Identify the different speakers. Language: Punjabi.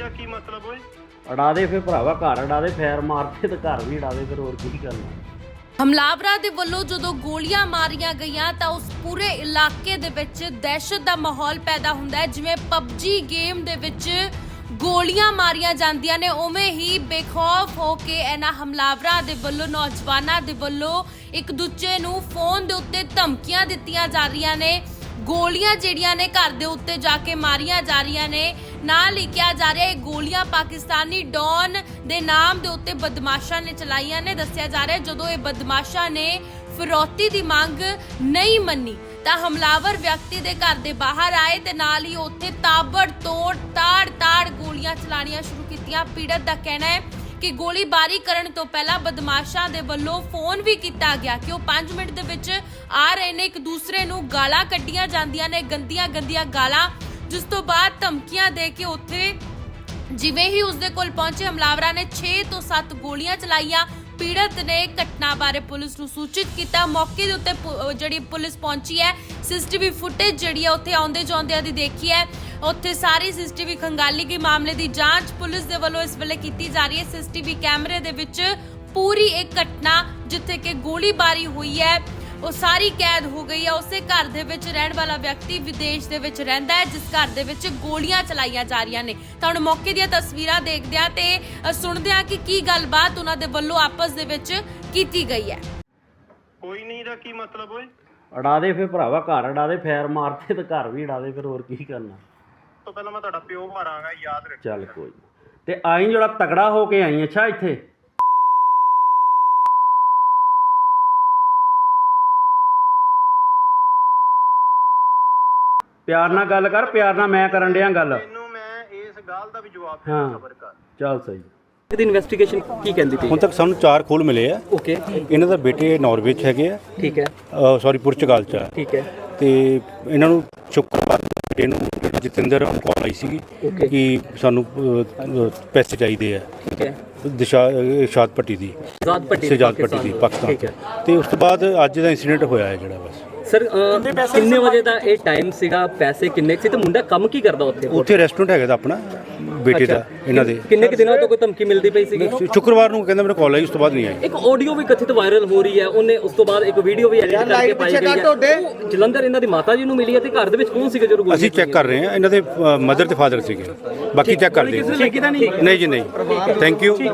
Speaker 1: ਦਾ ਕੀ ਮਤਲਬ ਓਏ?
Speaker 2: ਅੜਾ ਦੇ ਫਿਰ ਭਰਾਵਾ, ਘਰ ਅੜਾ ਦੇ, ਫੈਰ ਮਾਰਦੇ ਤੇ ਘਰ ਵੀ ਅੜਾ ਦੇ, ਫਿਰ ਹੋਰ ਕੀ ਕਰਨਾ।
Speaker 3: ਹਮਲਾਵਰਾਂ ਦੇ ਵੱਲੋਂ ਜਦੋਂ ਗੋਲੀਆਂ ਮਾਰੀਆਂ ਗਈਆਂ ਤਾਂ ਉਸ ਪੂਰੇ ਇਲਾਕੇ ਦੇ ਵਿੱਚ ਦਹਿਸ਼ਤ ਦਾ ਮਾਹੌਲ ਪੈਦਾ ਹੁੰਦਾ ਹੈ। ਜਿਵੇਂ ਪਬਜੀ ਗੇਮ ਦੇ ਵਿੱਚ ਗੋਲੀਆਂ ਮਾਰੀਆਂ ਜਾਂਦੀਆਂ ਨੇ, ਉਵੇਂ ਹੀ ਬੇਖੌਫ ਹੋ ਕੇ ਇਹਨਾਂ ਹਮਲਾਵਰਾਂ ਦੇ ਵੱਲੋਂ, ਨੌਜਵਾਨਾਂ ਦੇ ਵੱਲੋਂ ਇੱਕ ਦੂਜੇ ਨੂੰ ਫੋਨ ਦੇ ਉੱਤੇ ਧਮਕੀਆਂ ਦਿੱਤੀਆਂ ਜਾ ਰਹੀਆਂ ਨੇ। ਗੋਲੀਆਂ ਜਿਹੜੀਆਂ ਨੇ ਘਰ ਦੇ ਉੱਤੇ ਜਾ ਕੇ ਮਾਰੀਆਂ ਜਾ ਰਹੀਆਂ ਨੇ। ਨਾਲ ਹੀ ਕਿਹਾ ਜਾ ਰਿਹਾ ਇਹ ਗੋਲੀਆਂ ਪਾਕਿਸਤਾਨੀ ਡੌਨ ਦੇ ਨਾਮ ਦੇ ਉੱਤੇ ਬਦਮਾਸ਼ਾਂ ਨੇ ਚਲਾਈਆਂ ਨੇ। ਦੱਸਿਆ ਜਾ ਰਿਹਾ ਜਦੋਂ ਇਹ ਬਦਮਾਸ਼ਾਂ ਨੇ ਫਿਰੌਤੀ ਦੀ ਮੰਗ ਨਹੀਂ ਮੰਨੀ ਤਾਂ ਹਮਲਾਵਰ ਵਿਅਕਤੀ ਦੇ ਘਰ ਦੇ ਬਾਹਰ ਆਏ ਤੇ ਨਾਲ ਹੀ ਉੱਥੇ ਤਾਬੜਤੋੜ ਤਾੜ ਗੋਲੀਆਂ ਚਲਾਣੀਆਂ ਸ਼ੁਰੂ ਕੀਤੀਆਂ। ਪੀੜਤ ਦਾ ਕਹਿਣਾ ਹੈ ਕਿ ਗੋਲੀਬਾਰੀ ਕਰਨ ਤੋਂ ਪਹਿਲਾਂ ਬਦਮਾਸ਼ਾਂ ਦੇ ਵੱਲੋਂ ਫੋਨ ਵੀ ਕੀਤਾ ਗਿਆ ਕਿ ਉਹ 5 ਮਿੰਟ ਦੇ ਵਿੱਚ ਆ ਰਹੇ ਨੇ। ਇੱਕ ਦੂਸਰੇ ਨੂੰ ਗਾਲਾਂ ਕੱਢੀਆਂ ਜਾਂਦੀਆਂ ਨੇ, ਗੰਦੀਆਂ ਗਾਲਾਂ, ਜਿਸ ਤੋਂ ਬਾਅਦ ਧਮਕੀਆਂ ਦੇ ਕੇ ਉੱਥੇ ਜਿਵੇਂ ਹੀ ਉਸਦੇ ਕੋਲ ਪਹੁੰਚੇ ਹਮਲਾਵਰਾਂ ਨੇ 6 ਤੋਂ 7 ਗੋਲੀਆਂ ਚਲਾਈਆਂ। ਪੀੜਤ ਨੇ ਘਟਨਾ ਬਾਰੇ ਪੁਲਿਸ ਨੂੰ ਸੂਚਿਤ ਕੀਤਾ। ਮੌਕੇ ਦੇ ਉੱਤੇ ਜਿਹੜੀ ਪੁਲਿਸ ਪਹੁੰਚੀ ਹੈ, ਸੀਸੀਟੀਵੀ ਫੁਟੇਜ ਜਿਹੜੀ ਹੈ ਉੱਥੇ ਆਉਂਦੇ ਜਾਂਦਿਆਂ ਦੀ ਦੇਖੀ ਹੈ। ਉੱਥੇ ਸਾਰੀ ਸੀਸੀਟੀਵੀ ਖੰਗਾਲੀ ਗਈ। ਮਾਮਲੇ ਦੀ ਜਾਂਚ ਪੁਲਿਸ ਦੇ ਵੱਲੋਂ ਇਸ ਵੇਲੇ ਕੀਤੀ ਜਾ ਰਹੀ ਹੈ। ਸੀਸੀਟੀਵੀ ਕੈਮਰੇ ਦੇ ਵਿੱਚ ਪੂਰੀ ਇੱਕ ਘਟਨਾ ਜਿੱਥੇ ਕਿ ਗੋਲੀਬਾਰੀ ਹੋਈ ਹੈ ਉਹ ਸਾਰੀ ਕੈਦ ਹੋ ਗਈ ਹੈ। ਉਸੇ ਘਰ ਦੇ ਵਿੱਚ ਰਹਿਣ ਵਾਲਾ ਵਿਅਕਤੀ ਵਿਦੇਸ਼ ਦੇ ਵਿੱਚ ਰਹਿੰਦਾ ਹੈ, ਜਿਸ ਘਰ ਦੇ ਵਿੱਚ ਗੋਲੀਆਂ ਚਲਾਈਆਂ ਜਾ ਰਹੀਆਂ ਨੇ। ਤਾਂ ਹੁਣ ਮੌਕੇ ਦੀਆਂ ਤਸਵੀਰਾਂ ਦੇਖਦੇ ਆ ਤੇ ਸੁਣਦੇ ਆ ਕਿ ਕੀ ਗੱਲਬਾਤ ਉਹਨਾਂ ਦੇ ਵੱਲੋਂ ਆਪਸ ਦੇ ਵਿੱਚ ਕੀਤੀ ਗਈ ਹੈ।
Speaker 1: ਕੋਈ ਨਹੀਂ ਦਾ ਕੀ ਮਤਲਬ ਓਏ?
Speaker 2: ਅੜਾ ਦੇ ਫਿਰ ਭਰਾਵਾ, ਘਰ ਅੜਾ ਦੇ, ਫੈਰ ਮਾਰਦੇ ਤੇ ਘਰ ਵੀ ਅੜਾ ਦੇ, ਫਿਰ ਹੋਰ ਕੀ ਕਰਨਾ।
Speaker 1: ਤੋਂ ਪਹਿਲਾਂ ਮੈਂ ਤੁਹਾਡਾ ਪਿਓ ਮਾਰਾਂਗਾ, ਯਾਦ ਰੱਖ।
Speaker 2: ਚੱਲ ਕੋਈ ਨੀ। ਤੇ ਆਈ ਜਿਹੜਾ ਤਗੜਾ ਹੋ ਕੇ ਆਈ ਅੱਛਾ ਇੱਥੇ। ਪਿਆਰ ਨਾਲ ਗੱਲ ਕਰ, ਪਿਆਰ ਨਾਲ ਮੈਂ ਕਰਨ ਡਿਆ ਗੱਲ।
Speaker 1: ਤੈਨੂੰ ਮੈਂ ਇਸ ਗੱਲ ਦਾ ਵੀ ਜਵਾਬ ਦੇਣਾ, ਸਬਰ ਕਰ।
Speaker 2: ਚੱਲ ਸਹੀ।
Speaker 4: ਦੀ ਇਨਵੈਸਟੀਗੇਸ਼ਨ ਕੀ ਕਹਿੰਦੀ ਪਈ?
Speaker 5: ਹੁਣ ਤੱਕ ਸਾਨੂੰ 4 ਖੋਲ ਮਿਲੇ ਆ।
Speaker 4: ਓਕੇ,
Speaker 5: ਇਹਨਾਂ ਦਾ ਬੇਟੇ ਨਾਰਵੇ 'ਚ ਹੈਗੇ ਆ,
Speaker 4: ਠੀਕ ਹੈ,
Speaker 5: ਸੌਰੀ ਪੁਰਤਗਾਲ 'ਚ ਆ।
Speaker 4: ਠੀਕ ਹੈ,
Speaker 5: ਤੇ ਇਹਨਾਂ ਨੂੰ ਸ਼ੁੱਕਰਵਾਰ ਬੇਟੇ ਨੂੰ ਜਤਿੰਦਰ ਕਾਲ ਆਈ ਸੀਗੀ ਕਿ ਸਾਨੂੰ ਪੈਸੇ ਚਾਹੀਦੇ ਆ,
Speaker 4: ਠੀਕ ਹੈ,
Speaker 5: ਸ਼ਾਦ ਪੱਟੀ ਦੀ,
Speaker 4: ਆਜ਼ਾਦ ਪੱਟੀ
Speaker 5: ਦੀ ਪਾਕਿਸਤਾਨ। ਤੇ ਉਸ ਤੋਂ ਬਾਅਦ ਅੱਜ ਦਾ ਇੰਸੀਡੈਂਟ ਹੋਇਆ ਹੈ ਜਿਹੜਾ ਬਸ।
Speaker 4: ਸਰ ਕਿੰਨੇ ਵਜੇ ਦਾ ਇਹ ਟਾਈਮ ਸੀਗਾ? ਪੈਸੇ ਕਿੰਨੇ ਸੀ ਤੇ ਮੁੰਡਾ ਕੰਮ ਕੀ ਕਰਦਾ ਉੱਥੇ?
Speaker 5: ਉੱਥੇ ਰੈਸਟੋਰੈਂਟ ਹੈਗਾ ਦਾ ਆਪਣਾ ਬੇਟੇ ਦਾ, ਇਹਨਾਂ ਦੇ।
Speaker 4: ਕਿੰਨੇ ਕਿ ਦਿਨਾਂ ਤੋਂ ਕੋਈ ਧਮਕੀ ਮਿਲਦੀ ਪਈ ਸੀਗੀ?
Speaker 5: ਸ਼ੁੱਕਰਵਾਰ ਨੂੰ ਕਹਿੰਦਾ ਮੈਨੂੰ ਕਾਲ ਆਈ, ਉਸ ਤੋਂ ਬਾਅਦ ਨਹੀਂ ਆਈ।
Speaker 4: ਇੱਕ ਆਡੀਓ ਵੀ ਕਥਿਤ ਵਾਇਰਲ ਹੋ ਰਹੀ ਹੈ, ਉਹਨੇ ਉਸ ਤੋਂ ਬਾਅਦ ਇੱਕ ਵੀਡੀਓ ਵੀ ਐਡਿਟ ਕਰਕੇ ਪਾਈ ਗਈ ਹੈ। ਉਹ ਜਲੰਧਰ ਇਹਨਾਂ ਦੀ ਮਾਤਾ ਜੀ ਨੂੰ ਮਿਲੀ ਹੈ ਤੇ ਘਰ ਦੇ ਵਿੱਚ ਕੌਣ ਸੀਗਾ ਜਦੋਂ?
Speaker 5: ਅਸੀਂ ਚੈੱਕ ਕਰ ਰਹੇ ਹਾਂ, ਇਹਨਾਂ ਦੇ ਮਦਰ ਤੇ ਫਾਦਰ ਸੀਗੇ, ਬਾਕੀ ਚੈੱਕ ਕਰਦੇ ਹਾਂ। ਨਹੀਂ ਜੀ ਨਹੀਂ, ਥੈਂਕ ਯੂ।